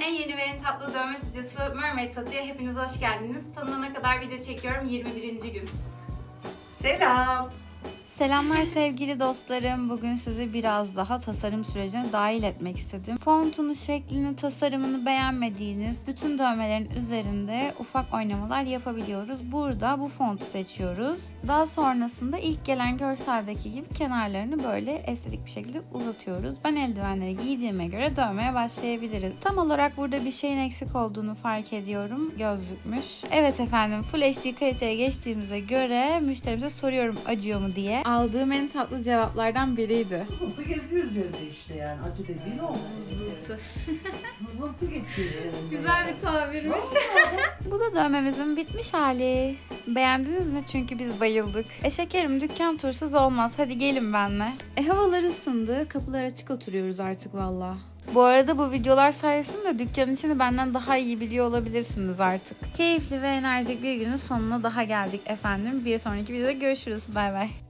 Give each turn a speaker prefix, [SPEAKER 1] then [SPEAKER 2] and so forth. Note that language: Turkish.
[SPEAKER 1] en yeni ve en tatlı dövme stüdyosu Mermaid Tattoo'ya hepiniz hoş geldiniz. Tanınana kadar video çekiyorum 21. gün.
[SPEAKER 2] Selam.
[SPEAKER 3] Selamlar sevgili dostlarım. Bugün sizi biraz daha tasarım sürecine dahil etmek istedim. Fontunu, şeklini, tasarımını beğenmediğiniz bütün dövmelerin üzerinde ufak oynamalar yapabiliyoruz. Burada bu fontu seçiyoruz. Daha sonrasında ilk gelen görseldeki gibi kenarlarını böyle estetik bir şekilde uzatıyoruz. Ben eldivenleri giydiğime göre dövmeye başlayabiliriz. Tam olarak burada bir şeyin eksik olduğunu fark ediyorum. Gözlükmüş. Evet efendim, Full HD kaliteye geçtiğimize göre müşterimize soruyorum acıyor mu diye. Aldığım en tatlı cevaplardan biriydi.
[SPEAKER 2] Sızıltı geziyor üzerinde işte yani. Acı dediğin oldu.
[SPEAKER 1] Zıltı.
[SPEAKER 2] Sızıltı geçiyor üzerinde.
[SPEAKER 1] Güzel bir tabirmiş.
[SPEAKER 3] Bu da dövmemizin bitmiş hali. Beğendiniz mi? Çünkü biz bayıldık. Şekerim, dükkan tursuz olmaz. Hadi gelin benimle. Havalar ısındı. Kapılar açık oturuyoruz artık valla. Bu arada bu videolar sayesinde dükkanın içini benden daha iyi biliyor olabilirsiniz artık. Keyifli ve enerjik bir günün sonuna daha geldik efendim. Bir sonraki videoda görüşürüz. Bay bay.